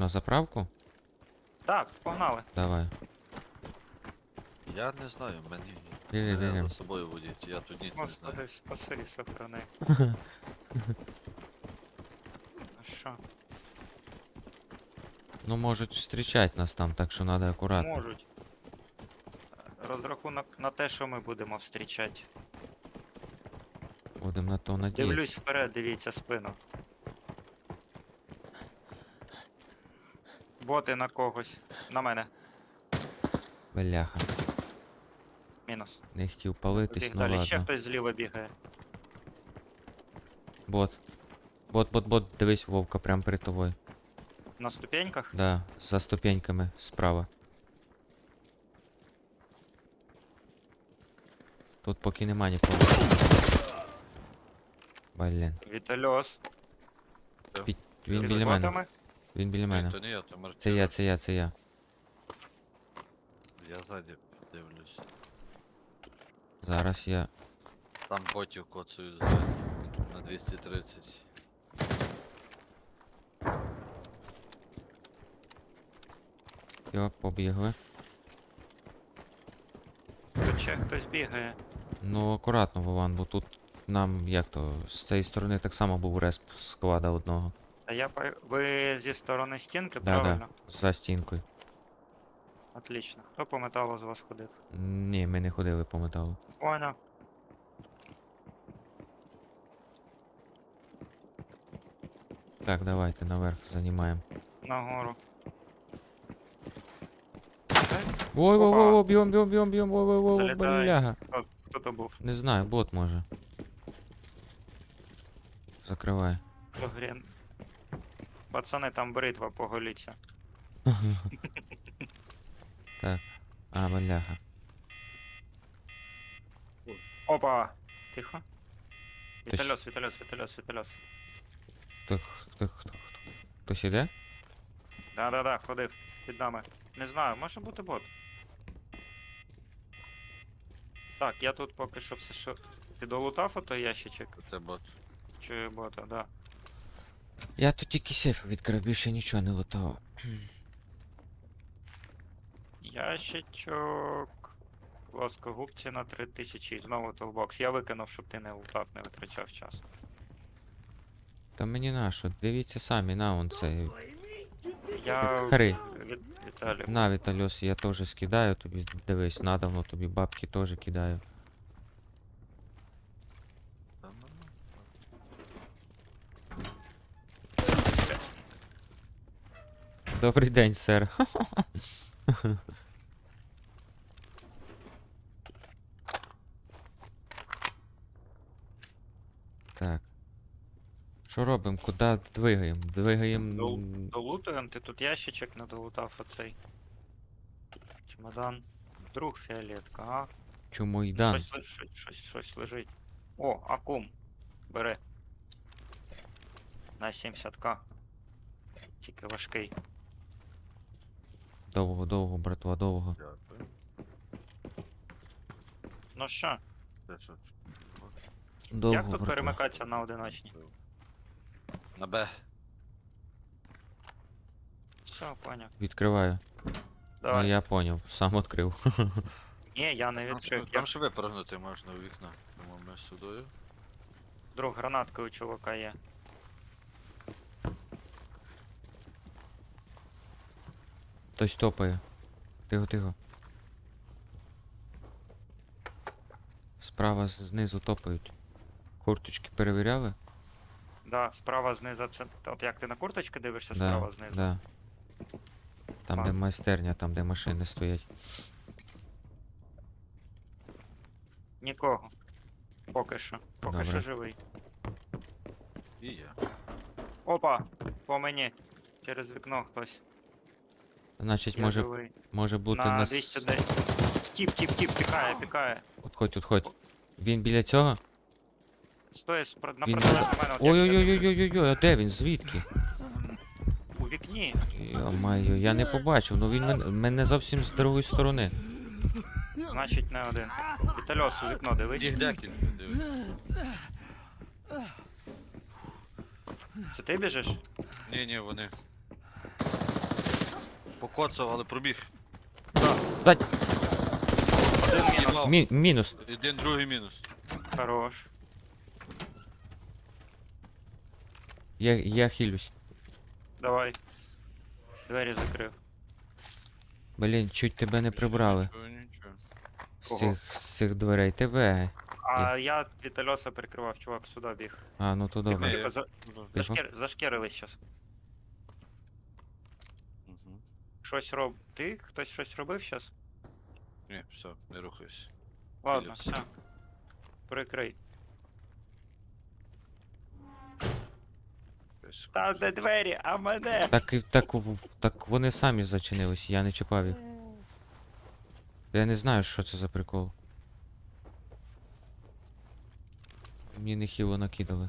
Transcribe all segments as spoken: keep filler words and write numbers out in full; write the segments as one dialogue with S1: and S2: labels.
S1: на заправку?
S2: Так, погнали.
S1: Давай.
S3: Я не знаю, мені
S1: Біги,
S3: мене
S1: біги.
S3: за собою водіть, я тут ніч не знаю.
S2: Господи, спаси, сохрани. А що?
S1: Ну можуть зустрічати нас там, так що треба акуратно.
S2: Можуть. Розрахунок на те, що ми будемо зустрічати.
S1: Будемо на то
S2: Дивлюсь
S1: надіятися.
S2: вперед, дивіться спину. Боти на когось. На мене.
S1: Бляха.
S2: Мінус.
S1: Не хотів палитись,
S2: Біг
S1: ну
S2: далі. Ще
S1: ладно.
S2: хтось зліва бігає.
S1: Бот. Бот, бот, бот, дивись, Вовка, прям перед тобою.
S2: На ступеньках?
S1: Да, за ступеньками справа. Тут поки нема нікого. Блін.
S2: Вітальос.
S1: Він
S2: Ти з
S1: біля мене.
S2: ботами?
S1: Він біля
S3: Ні,
S1: мене.
S3: то не я, то Мартін.
S1: Це я, це я, це я.
S3: Я ззаді дивлюсь.
S1: Зараз я.
S3: Там ботів коцають ззаді. На двісті тридцять.
S1: Йо, побігли.
S2: Тут ще хтось бігає.
S1: Ну, акуратно, Вован, бо тут нам, як то, з цієї сторони так само був респ склада одного.
S2: А я по... Ви зі сторони стінки,
S1: Да,
S2: правильно?
S1: да, за стінкою.
S2: Отлично. Хто по металу з вас ходив?
S1: Ні, ми не ходили по металу.
S2: Понял.
S1: Так, давайте наверх займаємо.
S2: Нагору.
S1: Ой, ой, ой,
S2: Опа.
S1: ой, б'єм, б'єм, б'єм, б'єм, ой, ой, ой,
S2: Залітай.
S1: бляга.
S2: Хто, хто то був?
S1: Не знаю, бот може. Закривай.
S2: Хто грін? Пацани, там бритва, поголіться.
S1: Так. А, бляха.
S2: Опа! Тихо.
S1: Хтось-
S2: Вітальос, вітальос, вітальос, вітальос.
S1: Хто, хто, хто, хто? Хтось іде?
S2: Да-да-да, ходив під нами. Не знаю, може бути бот. Так, я тут поки що все що. Ти долутав ото ящичок?
S3: Це бот.
S2: Чую бота, да.
S1: Я тут тільки сейф відкрив, більше нічого не лутав.
S2: Ящичок. Плоскогубці на три тисячі. І знову толбокс. Я викинув, щоб ти не лутав, не витрачав час.
S1: Та мені на що, дивіться самі, на он цей.
S2: Я
S1: Хари.
S2: від... Віталій.
S1: На, Вітальос, я теж скидаю тобі, дивись, надавно тобі бабки теж кидаю.
S3: Та ну, ну.
S1: Добрий день, сер. Так. Що робимо? Куди двигаємо? Двигаємо.
S2: Дол- Долутуємо, ти тут ящичок не долутав оцей. Чемодан. Друг фіолетка, а?
S1: Чому йдам?
S2: Щось, ли- щось, щось, щось лежить. О, акум. Бери. На сімдесят ка. Тільки важкий.
S1: Довго, довго, братва, довго.
S3: Дякую.
S2: Ну що,
S3: Це що?
S1: Довго,
S2: як тут
S1: братва.
S2: перемикатися на одиночні?
S3: На Б.
S2: Все, поняв.
S1: Відкриваю. Ну
S2: Давай.
S1: я поняв, сам відкрив.
S2: Ні, я не
S3: Там,
S2: відкрив.
S3: ще-
S2: Я
S3: там ще випрыгнути можна у вікна. Тому ми судою.
S2: друг гранатка у чувака є.
S1: Хтось топає. Тихо, тихо. Справа з- знизу топають. Курточки перевіряли?
S2: Да, справа знизу це. От як ти на курточки дивишся,
S1: Да,
S2: справа знизу.
S1: да. Там, де
S2: А.
S1: майстерня, там, де машини стоять.
S2: Нікого. Поки що. Поки
S1: Добре.
S2: що живий.
S3: І я.
S2: Опа! По мені. Через вікно хтось.
S1: Значить,
S2: Я
S1: може,
S2: живий.
S1: може бути
S2: На
S1: нас.
S2: двісті десять. Тіп, тіп, тіп, пікає, пікає.
S1: Отходь, отходь. Він біля цього?
S2: Стоїть спро- на
S1: Він
S2: протилежній
S1: за-
S2: мене. от як я дивлюсь.
S1: Ой-ой-ой-ой-ой-ой, а де він? Звідки?
S2: У вікні.
S1: Йо-майо, я не побачив, ну він мен- мене зовсім з другої сторони.
S2: Значить не один. Вітальос у вікно дивись.
S3: Їх декілька, дивись.
S2: Це ти біжиш?
S3: Ні, ні, вони. Покоцав, але пробіг.
S1: Дать!
S2: Один мінус.
S3: Їбав.
S1: Мі мінус.
S3: Один, другий мінус.
S2: Хорош.
S1: Я, я хилюсь.
S2: Давай. Двері закрив.
S1: Блін, чуть тебе не прибрали
S3: Нічого, нічого.
S1: з
S2: Кого?
S1: цих, з цих дверей. Тебе.
S2: А я Вітальоса прикривав, чувак, сюди біг.
S1: А, ну то
S2: Тихо,
S1: добре.
S2: тихо, за...
S3: Ну,
S2: зашкер... зашкерили щас.
S3: мгм.
S2: Щось роб... Ти? Хтось щось робив щас?
S3: Ні, все, не рухайся.
S2: Ладно,
S3: Філіпс.
S2: все. Прикрий.
S3: Десь
S2: Та де двері, а мене?
S1: Так, і- так, в- так вони самі зачинились, я не чіпав їх. Я не знаю, що це за прикол. Мені нехило накидали.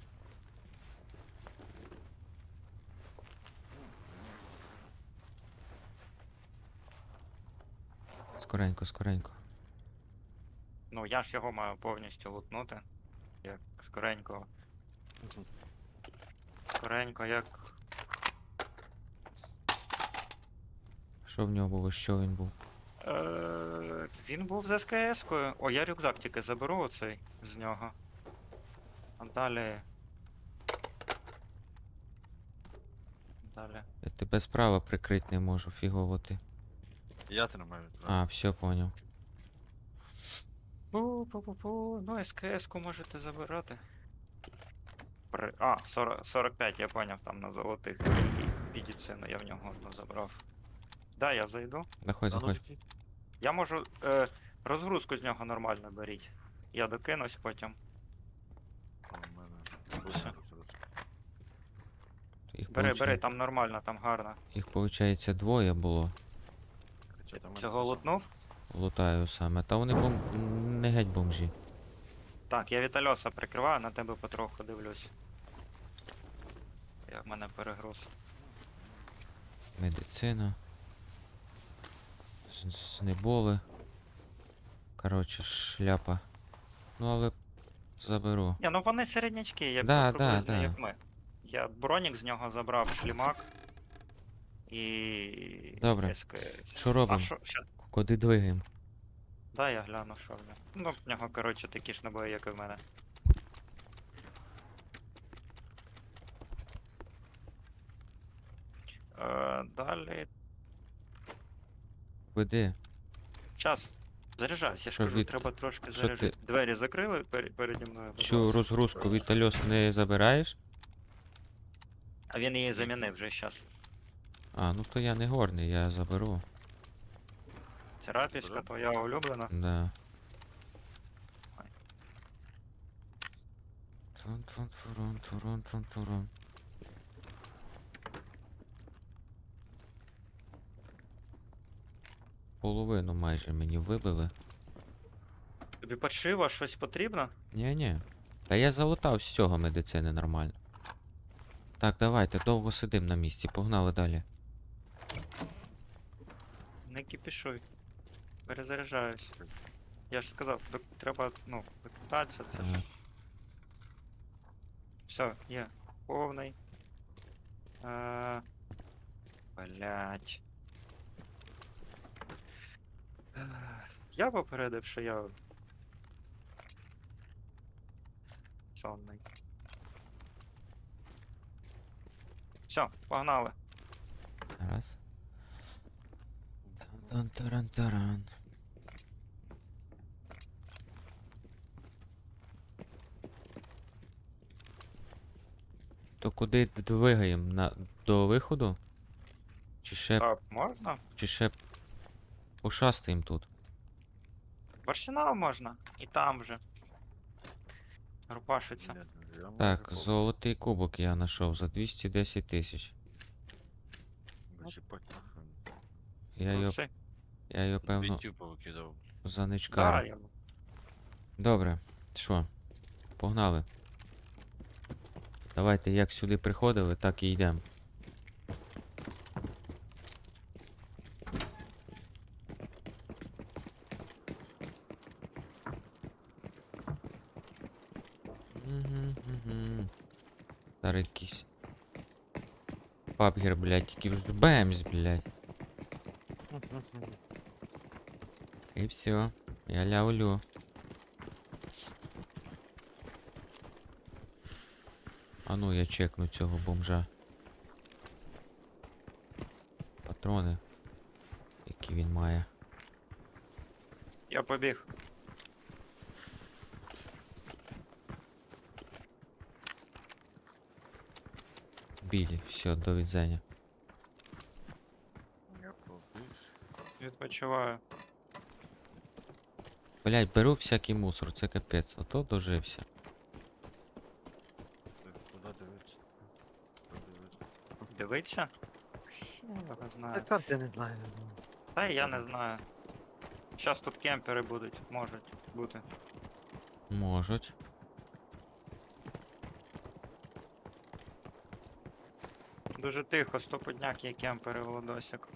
S1: Скоренько, скоренько.
S2: Ну, я ж його маю повністю лутнути. Як скоренько.
S3: Мгм.
S2: Скоренько, як.
S1: Що в нього було, що він був?
S2: Е, він був з СКС-кою. О, я рюкзак тільки заберу оцей з нього. А далі. Далі.
S1: Я тебе справа прикрити не можу, фігово ти.
S3: Я тримаю.
S1: А, все, поняв.
S2: Пу-пу-пу-пу. Ну, СКС-ку можете забирати. При... А, сорок, сорок п'ять, я поняв, там на золотих і медицину я в нього одну забрав. Да, я зайду.
S1: Заходь,
S3: А ну,
S1: заходь.
S3: такий.
S2: Я можу. Е, розгрузку з нього нормально беріть. Я докинусь потім.
S3: О, в мене.
S2: Все.
S1: Їх,
S2: Бери, бери,
S1: получає-
S2: там нормально, там гарно.
S1: Їх, виходить, двоє було.
S3: Хоча там
S2: Цього
S3: мене
S2: лутнув?
S1: Лутаю саме. Та вони бом... не геть бомжі.
S2: Так, я Вітальоса прикриваю, на тебе потроху дивлюсь. Я в мене перегруз.
S1: Медицина. З- Знеболи. Коротше, шляпа. Ну, але заберу.
S2: Ні, ну вони середнячки, як
S1: Да,
S2: да,
S1: да,
S2: приблизно,
S1: да.
S2: як ми. Я бронік з нього забрав, шлімак. І.
S1: Добре.
S2: СКС.
S1: Що
S2: А
S1: робимо?
S2: що, що?
S1: Куди двигаємо?
S2: Да, я гляну, що в нього. Ну, в нього, коротше, такі ж набої, як і в мене. Е, далі.
S1: Веди.
S2: Час. Заряджайся, я ж
S1: Що,
S2: кажу,
S1: від-
S2: треба трошки
S1: що
S2: заряджати.
S1: ти-
S2: Двері закрили пер... переді мною. будь
S1: Цю
S2: ласка.
S1: розгрузку Вітальос не забираєш?
S2: А він її замінив вже зараз.
S1: А, ну то я не горний, я заберу.
S2: Церапівська твоя улюблена.
S1: Да.
S2: Ой.
S1: Тун-тун-турун-турун-тун-турун. Половину майже мені вибили.
S2: Тобі подшива щось потрібно?
S1: Ні-ні. Та я залутав з цього медицини нормально. Так, давайте, довго сидим на місці, погнали далі.
S2: Не кипішуй. Перезаряджаюсь. Я ж сказав, док- треба, ну, викидатися, це ж.
S1: Ага.
S2: Все, є. Повний. Е... Блять. Я попередив, що я. Сонний. Все, погнали.
S1: Раз. Тан-таран-таран. То куди двигаємо? На... До виходу? Чи ще,
S2: Так, можна?
S1: чи ще пошастаємо тут?
S2: В арсенал можна. І там вже. Рупашиться.
S3: Ні, я можу
S1: Так,
S3: попробувати.
S1: золотий кубок я знайшов за двісті десять тисяч.
S3: Зачіпать нахуй.
S1: Я його,
S2: Проси.
S1: я його певно,
S3: Бінтів повикидав.
S1: за
S2: Да,
S1: ничкару.
S2: я...
S1: Добре, що? Погнали. Давайте як сюди приходили, так і йдемо. Зараз якийсь пабгер, блядь, який вже бемс, блядь. І все. Я лявлю. А ну я чекну цього бомжа. Патрони. Які він має.
S2: Я побіг.
S1: Білі, все, до відзення.
S3: Я побіг.
S2: Відпочиваю.
S1: Блять, беру всякий мусор, це капець. Ото дожився.
S3: Так, куди дивитися? Куди дивитися?
S2: Дивиться? Я його знаю.
S4: Так от я не знаю.
S2: Та й я не знаю. Щас тут кемпери будуть, можуть бути.
S1: Можуть.
S2: Дуже тихо, стопудняк є кемпери, Володосик.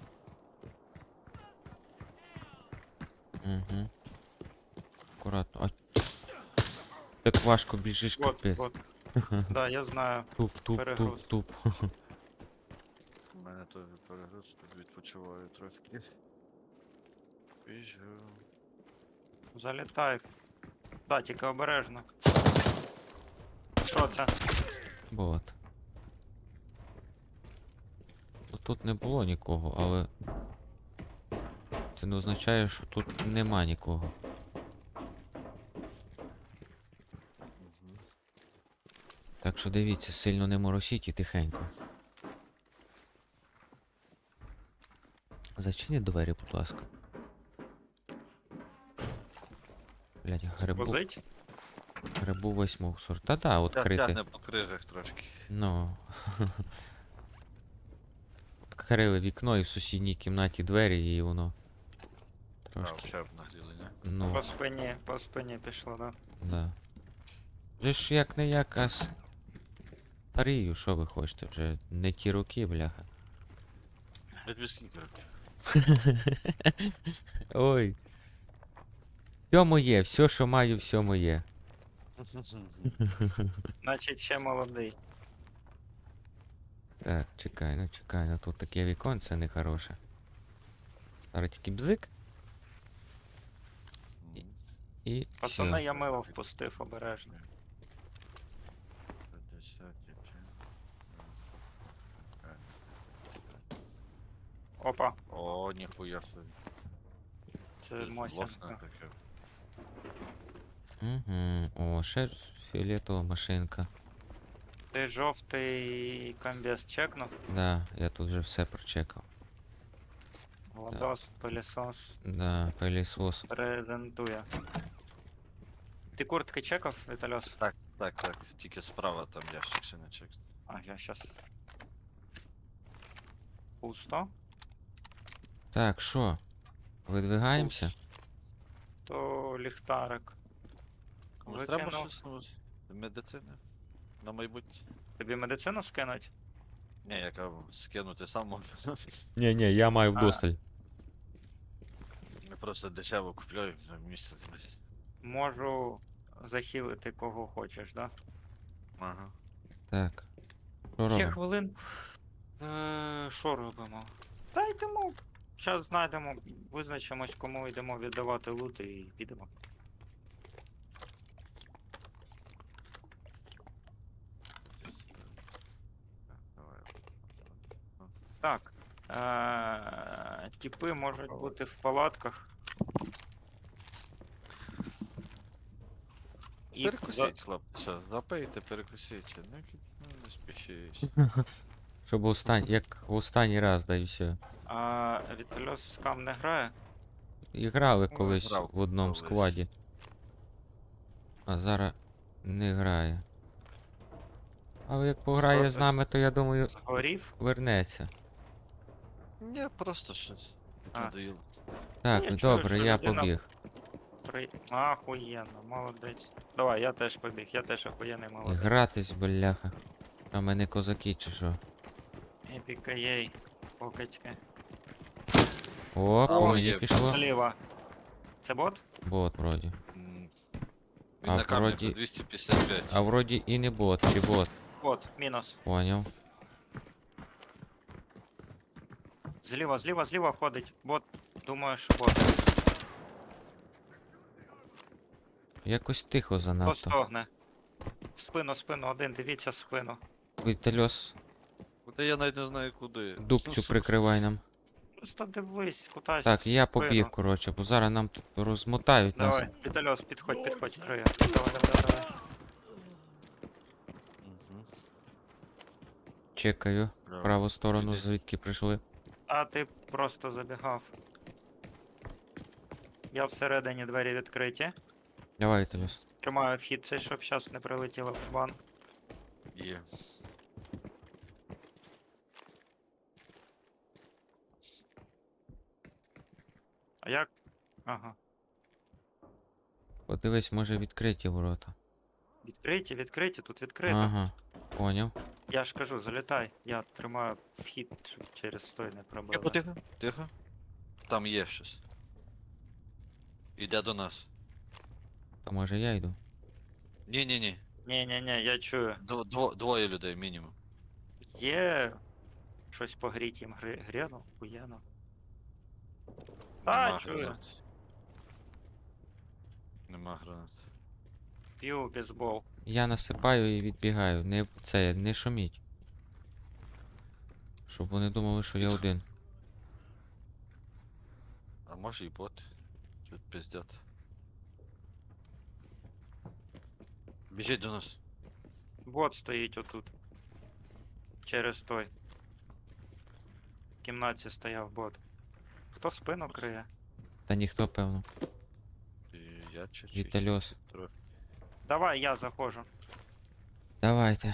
S1: Угу. Акуратно. А... Так важко біжиш,
S2: Вот,
S1: капець.
S2: вот. Да, я знаю.
S1: Туп, туп,
S2: перегруз.
S1: туп, туп.
S3: У мене теж перегруз, тут відпочиваю трошки. Біжу.
S2: Залітай. Да, тільки обережно. Що це?
S1: Бот. Ну, тут не було нікого, але це не означає, що тут нема нікого.
S3: Угу.
S1: Так що дивіться, сильно не моросіть і тихенько. Зачиніть двері, будь ласка. Блять, грибу,
S2: Возить?
S1: грибу весь мусор. Та-да,
S3: Тя-
S1: відкрити.
S3: Тягне по крижах трошки.
S1: Ну. Відкрили вікно і в сусідній кімнаті двері, і воно
S3: А,
S1: трошки.
S3: вже б нагріли, не?
S1: Ну,
S2: По спині, по спині пішло, да?
S1: да. Вже ж як не як, а старію, що ви хочете? Вже не ті роки, бляха.
S3: Я тобі скільки років?
S1: Ой. Все моє, все, що маю, все моє.
S2: Значить, ще молодий.
S1: Так, чекай, ну чекай, ну тут таке віконце нехороше. Зараз тільки бзик
S3: Мгм.
S1: і
S2: Пацани,
S1: все.
S2: я мило впустив обережно.
S3: п'ятдесят чи- Е.
S2: Опа,
S3: О, ніхуя собі.
S2: це
S3: Щось
S2: Мосінка.
S3: власне таке.
S1: Угу. О, ще ж фіолетова машинка.
S2: Ти жовтий комбез чекнув?
S1: Да, я тут вже все прочекав.
S2: Владос, пилісос
S1: Да, пилісос.
S2: презентує. Ти куртки чекав, Вітальос?
S3: Так, так, так. Тільки справа там ящик ще не чек.
S2: А, я щас. Пусто.
S1: Так, що? Видвигаємося?
S2: То ліхтарик.
S3: Комусь треба
S2: Викинув.
S3: щось ну, з медицини? На майбутнє?
S2: Тобі медицину скинуть?
S3: Ні, яка скинути сам можу.
S1: Ні, ні, я маю
S2: А.
S1: вдосталь.
S3: Ми просто дешево купляю на місце.
S2: Можу захилити кого хочеш, да?
S3: Ага.
S1: Так. Що
S2: Ще
S1: робимо?
S2: хвилинку. Е, Що робимо? Та йдемо. Зараз знайдемо, визначимось, кому йдемо віддавати лут і підемо.
S3: Давай.
S2: Так. Е, Тіпи можуть бути в палатках. І в- за-
S3: Перекусіть, хлопці. Запийте, перекусіть. Ну, кі- ну, не спішіть.
S1: Щоб остань... як в останній раз, да і все.
S2: А Вітальос скам не грає?
S1: І грали
S3: Ну,
S1: колись
S3: грав
S1: в одному
S3: колись.
S1: складі. А зараз не грає. Але як пограє з
S2: Сто-
S1: нами, то я думаю,
S2: Згорів?
S1: вернеться.
S3: Ні, просто щось.
S2: А.
S3: Надоїло.
S1: Так,
S2: я чую,
S1: добре,
S2: що
S1: я
S2: людина-
S1: побіг.
S2: При... Ахуєнно, молодець. Давай, я теж побіг, я теж охуєнний
S1: І
S2: молодець.
S1: гратись, бляха. А ми не козаки чи що?
S2: Епіка єй, покачки.
S1: О, по
S3: О,
S1: мені
S3: є.
S1: пішло.
S2: Зліва. Це бот?
S1: Бот вроді.
S3: М.
S1: А
S3: Він на камері
S1: вроді-
S3: за двісті п'ятдесят п'ять.
S1: А вроді і не бот, чи бот.
S2: Бот, мінус.
S1: Поняв.
S2: Зліва, зліва, зліва ходить. Бот. Думаю, що бот.
S1: Якось тихо
S2: Хто
S1: занадто.
S2: стогне? В спину, спину, один, дивіться в спину.
S1: Вітальос,
S3: Куди я навіть не знаю куди.
S1: дубцю прикривай нам.
S2: Просто дивись, кудись.
S1: Так,
S2: в
S1: я
S2: спину.
S1: побіг, коротше, бо зараз нам тут розмотають нас.
S2: Давай, Вітальос, підходь, підходь, криє. Давай, давай, давай, давай.
S3: Мгм.
S1: Чекаю.
S3: Браво.
S1: Праву сторону,
S3: Іди.
S1: звідки прийшли.
S2: А ти просто забігав. Я всередині, двері відкриті.
S1: Давай, Вітальос.
S2: Тримаю вхід цей, щоб зараз не прилетіло в жбан.
S3: Є.
S2: А як? Ага.
S1: Подивись, може відкриті ворота.
S2: Відкриті, відкриті, тут відкрито.
S1: Ага, поняв.
S2: Я ж кажу, залітай. Я тримаю вхід, щоб через той не
S3: Тихо,
S2: пробили.
S3: тихо, тихо. Там є щось. Іде до нас.
S1: То може я йду.
S3: Ні, ні, ні.
S2: Ні-ні-ні, я чую.
S3: Дво, дво, двоє людей мінімум.
S2: Є щось погріть їм гри... гряну, хуєну.
S3: Нема
S2: А, чую.
S3: гранат. Нема гранат.
S2: П'ю бейсбол.
S1: Я насипаю і відбігаю. Не це, не шуміть. Щоб вони думали, що я один.
S3: А може і бот. Тут пиздят. Біжіть до нас.
S2: Бот стоїть отут. Через той. В кімнаті стояв бот. Хто спину криє?
S1: Та ніхто, певно.
S3: І я чи чи-
S1: Вітальос.
S3: трохи.
S2: Давай, я заходжу.
S1: Давайте.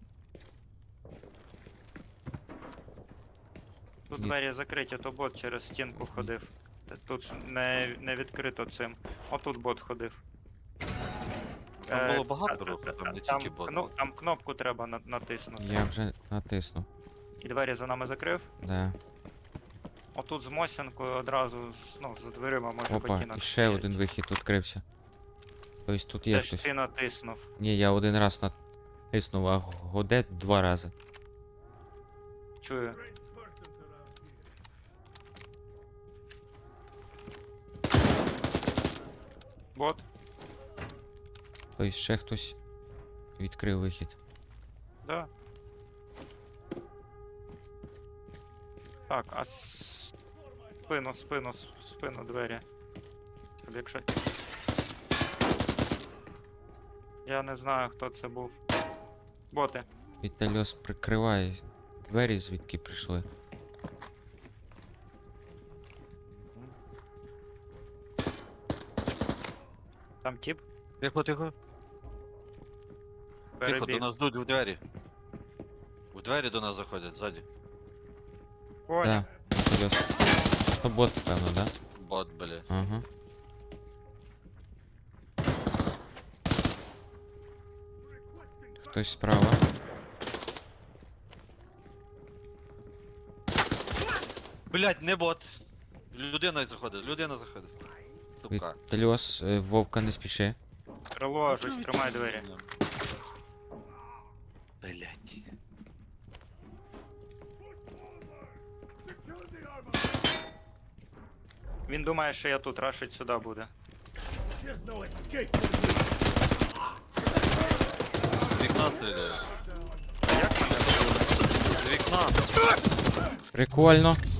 S2: Тут
S1: Ні.
S2: двері закриті, то бот через стінку ходив. Т- Тут не, не відкрито цим. Отут бот ходив.
S3: Там
S2: Е,
S3: було багато
S2: та-
S3: руху,
S2: та-
S3: там не
S2: там,
S3: тільки бот.
S2: кно- там кнопку треба на- натиснути.
S1: Я вже натиснув.
S2: І двері за нами закрив.
S1: Да.
S2: Отут з Мосінкою одразу з- ну, за дверима може
S1: Опа,
S2: ботинок
S1: і ще
S2: стоять.
S1: один вихід відкрився. Тобто тут
S2: Це
S1: є
S2: ж
S1: хтось.
S2: ти натиснув.
S1: Ні, я один раз натиснув, а годе два рази.
S2: Чую. Бот.
S1: Тобто ще хтось відкрив вихід.
S2: Да. Так, а с- спину, спину, с- спину двері. Щоб Якщо... Я не знаю, хто це був. Боти.
S1: Вітальос прикриває двері, звідки прийшли.
S2: Там тип
S3: Тихо, тихо. Тихо, до
S2: перебіг.
S3: нас йдуть у двері. У двері до нас заходять ззаді.
S2: Поняв.
S1: Да, Вітальос. То бот, певно, да?
S3: Бот, блядь.
S1: Ага. Хтось справа.
S3: Блядь, не бот. Людина заходить, людина заходить. Тупка.
S1: Вітальос, е, Вовка, не спіши.
S2: Крило, щось тримай двері.
S3: Блядь.
S2: Він думає, що я тут, рашить сюди буде.
S3: З вікна стріляє.
S2: А як мене?
S3: З вікна.
S1: Прикольно.